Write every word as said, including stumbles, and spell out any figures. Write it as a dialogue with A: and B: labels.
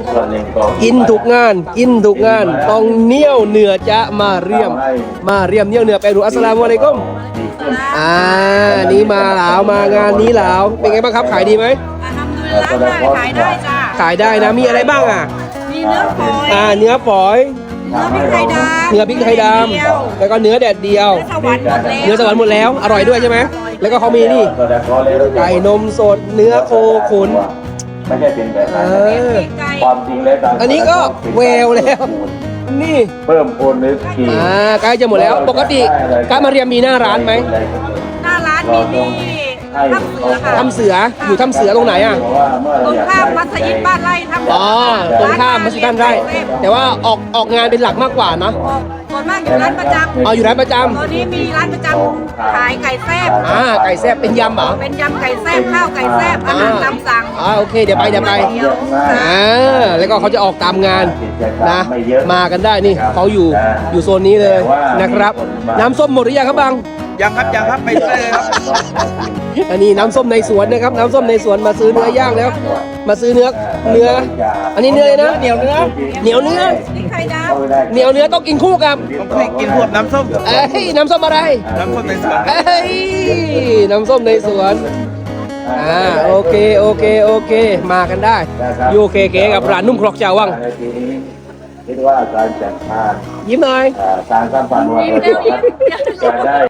A: ส่วนหนึ่งก็
B: กินทุกงาน กินทุกงาน ต้องเหนียวเหนือจะมาเรียม มาเรียมเหนียวเหนือไปดูอัสสลามุอะลัยกุม
A: ดีขึ้น
B: อ่า นี่มาหลาวมางานนี้หลาว เป็นไงบ้างครับ ขายดีไหม
C: ทำดูร้านได้ขายได้จ้า
B: ขายได้นะ มีอะไรบ้างอ่ะ
C: มีเนื้อฝอย
B: อ่า เนื้อฝอย
C: เนื้อพริกไทยดำ
B: เนื้อพริกไทยด
C: เดียว
B: ำแล้วก็เนื้อแดดเดียว
C: เนื้อสวรรค์หมดแล้ว
B: เนื้อสวรรค์หมดแล้ว อร่อยด้วยใช่ไหม แล้วก็เขามีนี่ ไก่นมสด เนื้อโคขุน
A: ไม่ใช่เป็นแบบนั้น
B: เออ
C: ไก่
A: ความจริงแล้ว
B: อันนี้ก็แววแล้ว นี่
A: เพิ่มพูนนึกขี
B: อ่าใกล้จะหมดแล้ว ปกติการมาเรียมมีหน้าร้านไหม
C: หน้าร้านมีที่ถ้ำเสือค่ะ
B: ทำเสือ อยู่ทำเสือตรงไหนอ่ะ
C: ตรงข้ามมัสยิดบ้านไร่ถ้ำเสื
B: อ๋อ ตรงข้ามมัสยิดบ้านไร่ แต่ว่าออกออกงานเป็นหลักมากกว่านะ
C: ส่วนมากอยู่ร้านประจำ
B: เอาอยู่ร้านประจ
C: ตอนนี้มีร้านประจำขายไก่แซ่บ
B: ำอ่า ไก่แซ่บเป็นยำเหรอ
C: เป็นยำไก่แซ่บข้าวไก่แซ่บอาหารตามสั่ง
B: อ่า โอเค เดี๋ยวไป เดี๋ยวไป
C: เดี๋ยว
B: อ่า แล้วก็เขาจะออกตามงานนะ มากันได้นี่เขาอยู่อยู่โซนนี้เลยนะครับ น้ำส้มหมดหรือยังครับบัง
D: ยังครับยังครับไปเลยครับ
B: อันนี้น้ำส้มในสวนนะครับ น้ำส้มในสวนมาซื้อเนื้อย่างแล้ว มาซื้อเนื้อ เนื้อ อันนี้เนื้อเลยนะ เหนียวเนื้อ เหนียวเนื้อ
C: พริกไทยด
B: เหนียวเนื้อต้องกินคู่กับ
D: ผมเคยกินพวกน้ำส้ม
B: เอ้ย น้ำส้มอะไร
D: น้ำส้มในสวน
B: เอ้ย น้ำส้มในสวน อ่า โอเค โอเค โอเค มากันได้ ยูเคเกกับร้านนุ่มครกเจ้าวัง
A: ในทีนี้คิดว่าการจัดงาน
B: ยิ้มหน่อย
A: อ่าการสัมพันธ์วันเกิดจะได้